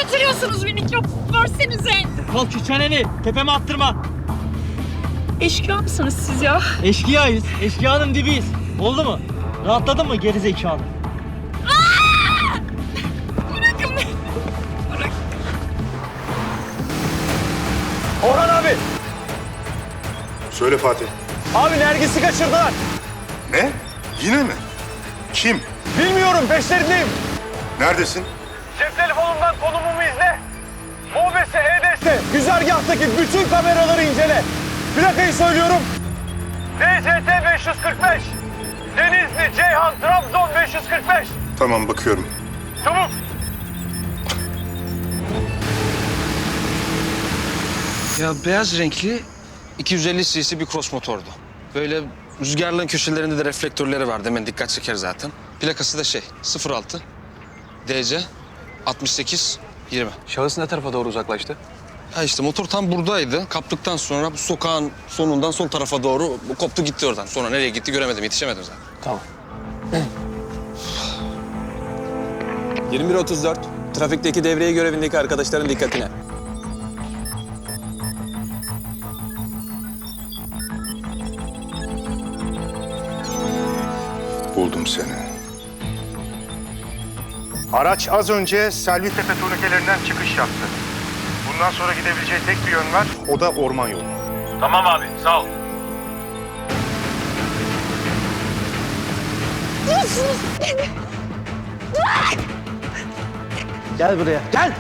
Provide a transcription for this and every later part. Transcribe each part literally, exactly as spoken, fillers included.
götürüyorsunuz beni? Çok versenize. Kalk şu çeneni. Tepeme attırma. Eşkıya mısınız siz ya? Eşkıyayız. Eşkıyanın dibiyiz. Oldu mu? Rahatladın mı geri zekalı? Bırakın beni. Bırak. Orhan abi. Söyle Fatih. Abi Nergis'i kaçırdılar. Ne? Yine mi? Kim? Bilmiyorum, peşlerindeyim. Neredesin? Cep telefonundan konumumu izle. Mobese, E D S, güzergahtaki bütün kameraları incele. Plakayı söylüyorum. D C T beş yüz kırk beş. Denizli, Ceyhan, Trabzon beş yüz kırk beş. Tamam, bakıyorum. Çabuk. Ya beyaz renkli iki yüz elli cc bir cross motordu. Böyle rüzgarlığın köşelerinde de reflektörleri vardı. Hemen dikkat çeker zaten. Plakası da şey sıfır altı D C altmış sekiz yirmi. Şahıs ne tarafa doğru uzaklaştı? Ha işte motor tam buradaydı. Kaptıktan sonra bu sokağın sonundan sol tarafa doğru bu koptu gitti oradan. Sonra nereye gitti göremedim, yetişemedim zaten. Tamam. yirmi bir otuz dört. Trafikteki devreye görevindeki arkadaşların dikkatine. Buldum seni. Araç az önce Selvi-Tepe turnikelerinden çıkış yaptı. Bundan sonra gidebileceği tek bir yön var, o da orman yolu. Tamam abi, sağ ol. Gel buraya. Gel.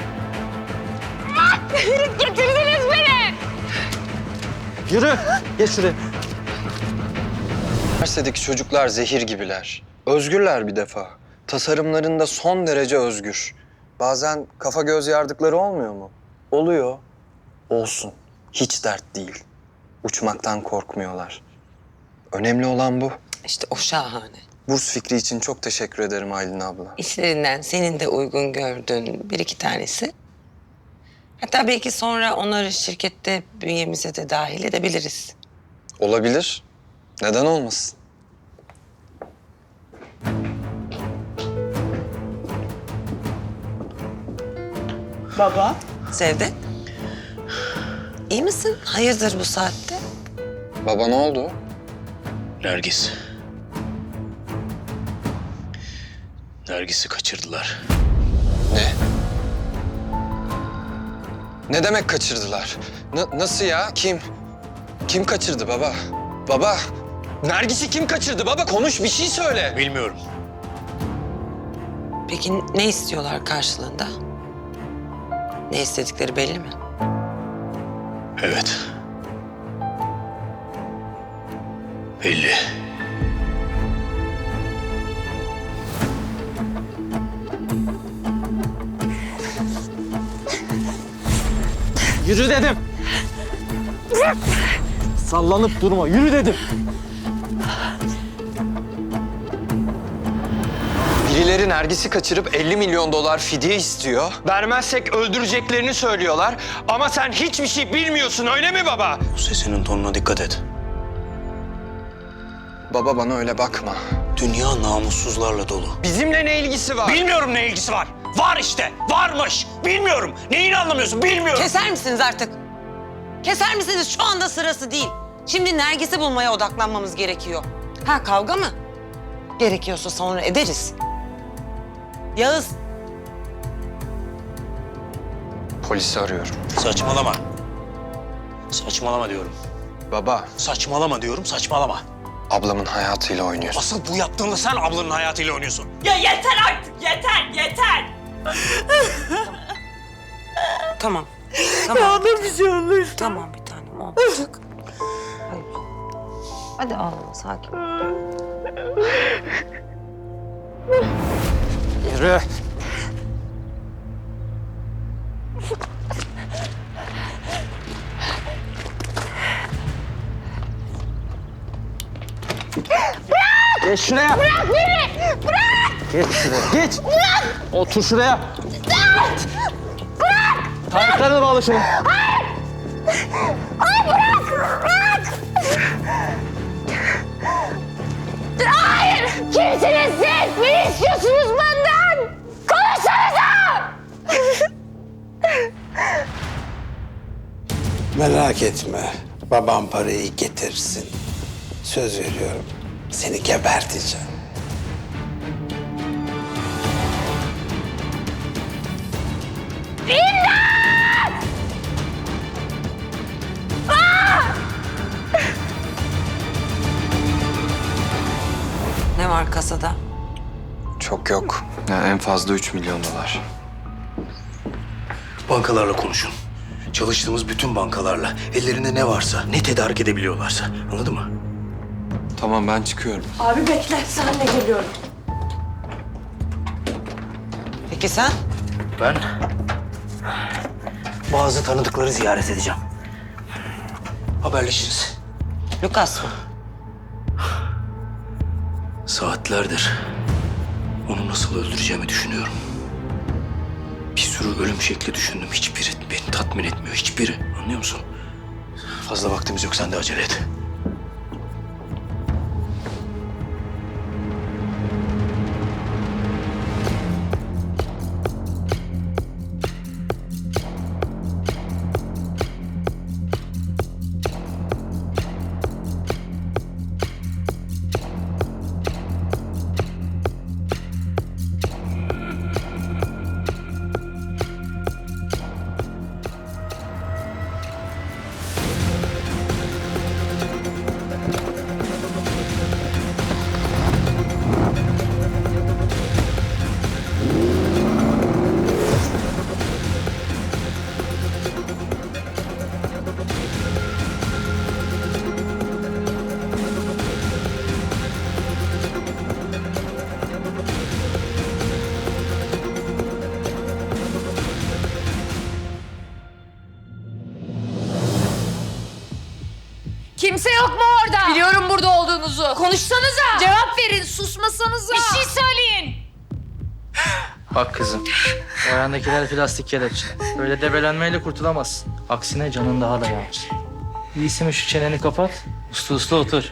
Getirdiniz beni. Yürü. Geç şuraya. Üniversitedeki çocuklar zehir gibiler. Özgürler bir defa. Tasarımlarında son derece özgür. Bazen kafa göz yardıkları olmuyor mu? Oluyor. Olsun. Hiç dert değil. Uçmaktan korkmuyorlar. Önemli olan bu. İşte o şahane. Burs fikri için çok teşekkür ederim Aylin abla. İşlerinden senin de uygun gördüğün bir iki tanesi. Hatta belki sonra onları şirkette bünyemize de dahil edebiliriz. Olabilir. Neden olmasın? Baba. Sevde. İyi misin? Hayırdır bu saatte? Baba ne oldu? Nergis. Nergis'i kaçırdılar. Ne? Ne demek kaçırdılar? Na- nasıl ya? Kim? Kim kaçırdı baba? Baba, Nergis'i kim kaçırdı baba? Konuş, bir şey söyle. Bilmiyorum. Peki ne istiyorlar karşılığında? Ne istedikleri belli mi? Evet. Belli. Yürü dedim. Sallanıp durma. Yürü dedim. Birileri Nergis'i kaçırıp elli milyon dolar fidye istiyor. Vermezsek öldüreceklerini söylüyorlar. Ama sen hiçbir şey bilmiyorsun, öyle mi baba? Bu sesinin tonuna dikkat et. Baba bana öyle bakma. Dünya namussuzlarla dolu. Bizimle ne ilgisi var? Bilmiyorum ne ilgisi var. Var işte. Varmış. Bilmiyorum. Neyini anlamıyorsun? Bilmiyorum. Keser misiniz artık? Keser misiniz? Şu anda sırası değil. Şimdi Nergis'i bulmaya odaklanmamız gerekiyor. Ha kavga mı? Gerekiyorsa sonra ederiz. Yağız. Polisi arıyorum. Saçmalama. Saçmalama diyorum. Baba, Saçmalama diyorum. Saçmalama. ablamın hayatıyla oynuyorsun. Asıl bu yaptığında sen ablanın hayatıyla oynuyorsun. Ya yeter artık. Yeter. Yeter. Tamam. Tamam. Ya da bir şey olur. Tamam bir tanem olmayacak. Hayır. Hadi ağlama sakin ol. Yürü. Geç şuraya. Bırak beni. Bırak. Geç şuraya. Geç. Bırak. Otur şuraya. Bırak. Bırak. Ayaklarını bağla şunu. Hayır. Hayır bırak. Bırak. Hayır. Kimsiniz siz? Ne istiyorsunuz benden? Konuşsanıza. Merak etme. Babam parayı getirsin. Söz veriyorum. Seni geberteceğim. Ne var kasada? Çok yok. Ya en fazla üç milyon dolar. Bankalarla konuşun. Çalıştığımız bütün bankalarla. Ellerinde ne varsa, ne tedarik edebiliyorlarsa. Anladın mı? Tamam, ben çıkıyorum. Abi bekle, sen de geliyorum. Peki sen? Ben bazı tanıdıkları ziyaret edeceğim. Haberleşiriz. Lucas mı? Saatlerdir onu nasıl öldüreceğimi düşünüyorum. Bir sürü ölüm şekli düşündüm. Hiçbiri beni tatmin etmiyor. Hiçbiri. Anlıyor musun? Fazla vaktimiz yok. Sen de acele et. Kimse yok mu orada? Biliyorum burada olduğunuzu. Konuşsanıza. Cevap verin, susmasanıza. Bir şey söyleyin. Bak kızım, o ayağındakiler plastik kelepçe. Böyle debelenmeyle kurtulamazsın. Aksine canın daha da yanar. İyisi mi şu çeneni kapat, uslu uslu otur.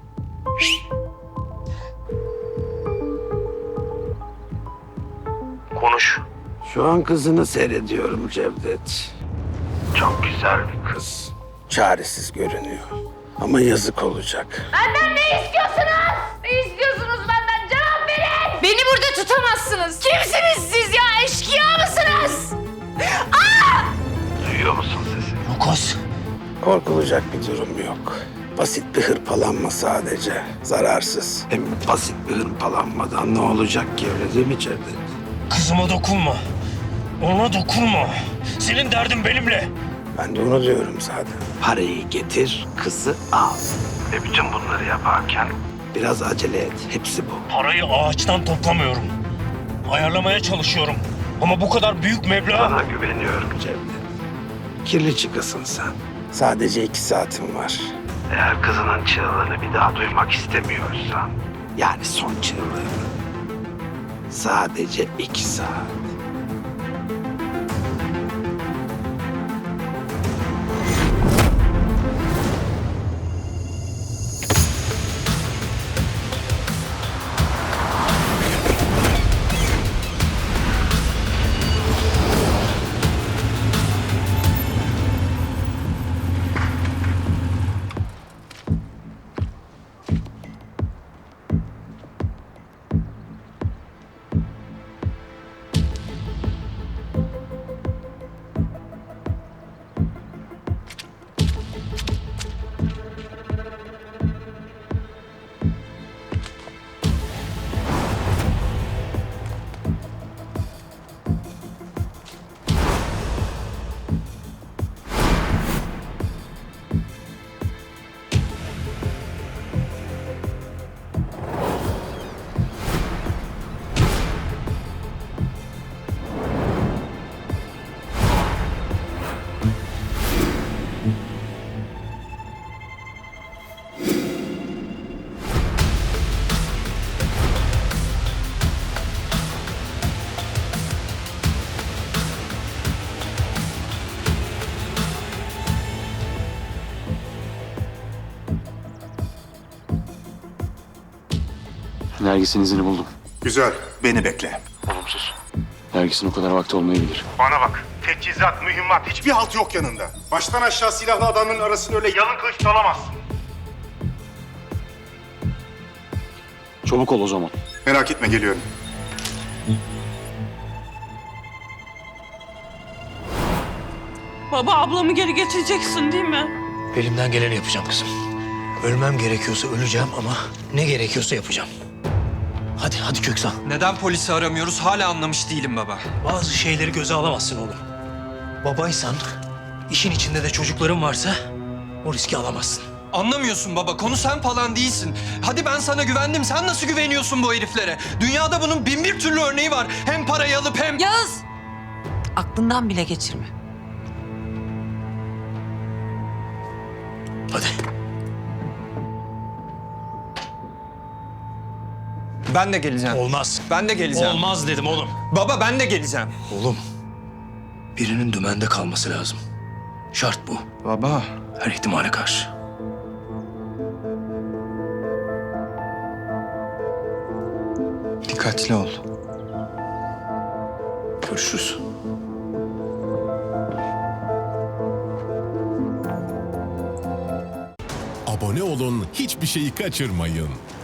Konuş. Şu an kızını seyrediyorum Cevdet. Çok güzel bir kız. Çaresiz görünüyor. Ama yazık olacak. Benden ne istiyorsunuz? Ne istiyorsunuz benden? Cevap verin. Beni burada tutamazsınız. Kimsiniz siz ya? Eşkıya mısınız? Aa! Duyuyor musun sesi? Lucas. Korkulacak bir durum yok. Basit bir hırpalanma sadece. Zararsız. Hem basit bir hırpalanmadan ne olacak ki, öyle değil mi Cevdet? Kızıma dokunma. Ona dokunma. Senin derdin benimle. Ben de onu diyorum zaten. Parayı getir, kızı al. Ve bütün bunları yaparken biraz acele et. Hepsi bu. Parayı ağaçtan toplamıyorum. Ayarlamaya çalışıyorum. Ama bu kadar büyük meblağ... Sana güveniyorum Cevdet. Kirli çıkasın sen. Sadece iki saatin var. Eğer kızının çığlığını bir daha duymak istemiyorsan... yani son çığlığını... sadece iki saat. Nergis'in izini buldum. Güzel. Beni bekle. Nergis'in o kadar vakti olmayabilir. Bana bak. teçhizat, mühimmat hiçbir halt yok yanında. Baştan aşağı silahlı adamların arasını öyle yalın kılıç dalamazsın. Çabuk ol o zaman. Merak etme geliyorum. Baba ablamı geri getireceksin değil mi? Elimden geleni yapacağım kızım. Ölmem gerekiyorsa öleceğim ama ne gerekiyorsa yapacağım. Hadi, hadi Köksal. Neden polisi aramıyoruz hala anlamış değilim baba. Bazı şeyleri göze alamazsın oğlum. Babaysan, işin içinde de çocukların varsa o riski alamazsın. Anlamıyorsun baba, konu sen falan değilsin. Hadi ben sana güvendim, sen nasıl güveniyorsun bu heriflere? Dünyada bunun bin bir türlü örneği var. Hem parayı alıp hem... Yağız! Aklından bile geçirme. Hadi. Ben de geleceğim. Olmaz. Ben de geleceğim. Olmaz dedim oğlum. Baba ben de geleceğim. Oğlum, birinin dümende kalması lazım. Şart bu. Baba. Her ihtimale karşı. Dikkatli ol. Görüşürüz. Abone olun, hiçbir şeyi kaçırmayın.